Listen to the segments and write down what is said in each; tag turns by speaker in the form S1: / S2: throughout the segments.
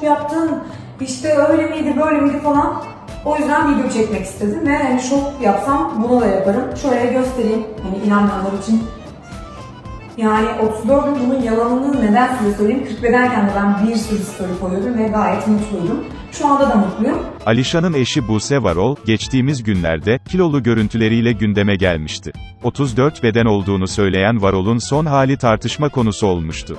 S1: yaptın, işte öyle miydi böyle miydi falan. O yüzden video çekmek istedim ve hani şok yapsam bunu da yaparım. Şöyle göstereyim hani inanmayanlar için. Yani 34 gün bunun yalanını neden size söyleyeyim. 40 bedenken de ben bir sürü story koyuyordum ve gayet mutluydum. Şu anda da mutluyum.
S2: Alişan'ın eşi Buse Varol, geçtiğimiz günlerde, kilolu görüntüleriyle gündeme gelmişti. 34 beden olduğunu söyleyen Varol'un son hali tartışma konusu olmuştu.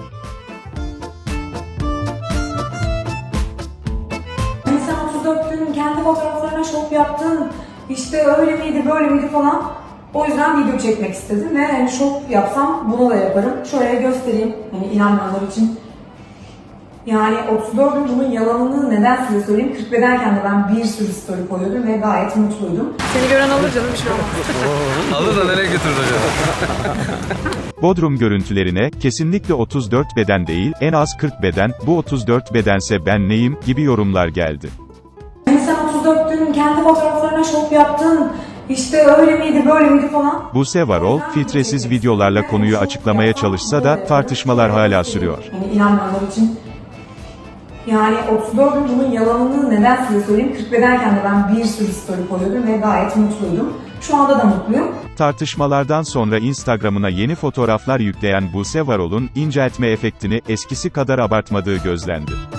S1: Hani sen 34 gün kendi fotoğraflarına şok yaptın, işte öyle miydi böyle miydi falan. O yüzden video çekmek istedim ve hani şok yapsam bunu da yaparım. Şöyle göstereyim hani inanmayanlar için. Yani 34 gün bunun yalanını neden size söyleyeyim. 40 bedenken de ben bir sürü story koyuyordum ve gayet mutluydum.
S3: Seni gören alır canım, bir şey olmaz.
S4: Alır da nereye götürür acaba?
S2: Bodrum görüntülerine, kesinlikle 34 beden değil, en az 40 beden, bu 34 bedense ben neyim, gibi yorumlar geldi.
S1: Hani sen 34 gün kendi fotoğraflarına şok yaptın, işte öyle miydi böyle miydi falan.
S2: Buse Varol, filtresiz videolarla konuyu açıklamaya çalışsa da, tartışmalar hala sürüyor.
S1: Hani inanmayanlar için. Yani 34 gün bunun yalanını neden size söyleyeyim. 40 bedenken de ben bir sürü story koyuyordum ve gayet mutluydum. Şu anda da mutluyum.
S2: Tartışmalardan sonra Instagram'ına yeni fotoğraflar yükleyen Buse Varol'un, inceltme efektini eskisi kadar abartmadığı gözlendi.